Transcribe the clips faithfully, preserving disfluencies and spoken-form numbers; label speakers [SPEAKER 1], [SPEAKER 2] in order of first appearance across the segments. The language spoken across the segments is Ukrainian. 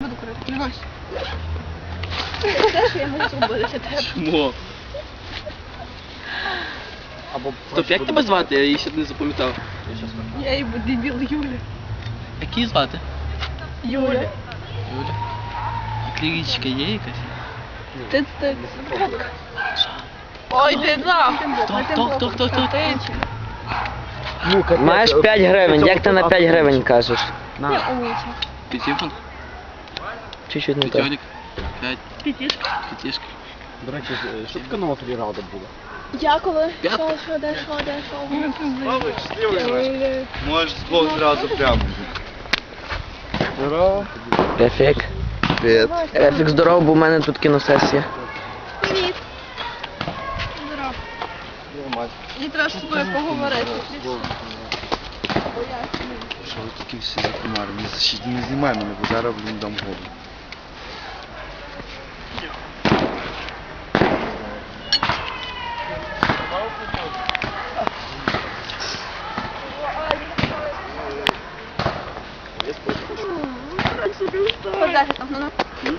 [SPEAKER 1] буду курити, не гось. Те, що я можу зробити для тебе.
[SPEAKER 2] Чому?
[SPEAKER 3] Або
[SPEAKER 2] Стоп, як тебе звати? Я її ще не запам'ятав.
[SPEAKER 1] Я її буду дебіл Юля.
[SPEAKER 2] Як її звати?
[SPEAKER 1] Юля.
[SPEAKER 2] Юля. А клірічка є якась?
[SPEAKER 1] Ти ти. Ой, ти на!
[SPEAKER 2] Хто, хто, хто, хто, хто?
[SPEAKER 3] Ну, капець.
[SPEAKER 4] Маєш п'ять гривень, як ти на п'ять гривень кажеш?
[SPEAKER 3] На.
[SPEAKER 2] П'ятіфон?
[SPEAKER 4] Чуть-чуть не так.
[SPEAKER 2] П'ятьолік? П'ять?
[SPEAKER 1] П'ятішка.
[SPEAKER 2] П'ятішка?
[SPEAKER 3] До речі, що таке нова тобі рада була?
[SPEAKER 1] Я коли?
[SPEAKER 2] П'ят?
[SPEAKER 1] Що, що, де, що, де, що?
[SPEAKER 5] Можеш з двох зразу прямо.
[SPEAKER 3] Здорово.
[SPEAKER 4] Рефік.
[SPEAKER 5] Привіт.
[SPEAKER 4] Рефік, здорово, бо в мене тут кіносесія.
[SPEAKER 1] Привіт. Здорово. Мені треба з тобою поговорити.
[SPEAKER 5] Що ви такі всі закумарні? Не, не знімай мене, бо зараз блін дам голову.
[SPEAKER 1] Подайте там, ну, ну.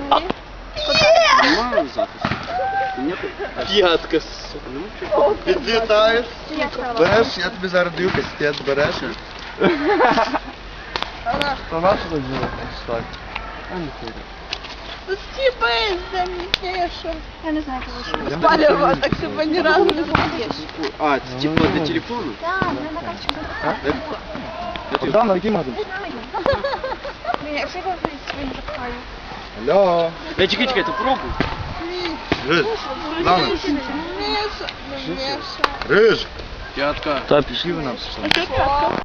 [SPEAKER 2] Нема запису? П'ятка, сука. Ну,
[SPEAKER 5] Підлітаєш,
[SPEAKER 1] Я сказала.
[SPEAKER 5] береш, я тобі зараз даю кастет, береш. Та нащо так зробити? Так.
[SPEAKER 1] Стіпи, замітніше. Я не знаю, кого ще. Спалювала, так себе ні разу не зробиш.
[SPEAKER 2] А, це типу для телефону?
[SPEAKER 1] Так, не на карточку.
[SPEAKER 3] Богдан, на який магазин?
[SPEAKER 1] Якщо я говорю, своїм запхаю.
[SPEAKER 5] Алло.
[SPEAKER 2] Ей, чекай, чекай, ти пробуй.
[SPEAKER 5] Риж. Дана.
[SPEAKER 1] Міша. Міша.
[SPEAKER 5] Риж.
[SPEAKER 2] П'ятка.
[SPEAKER 4] Топ.
[SPEAKER 5] Пішли ви нам пішли.
[SPEAKER 1] Що?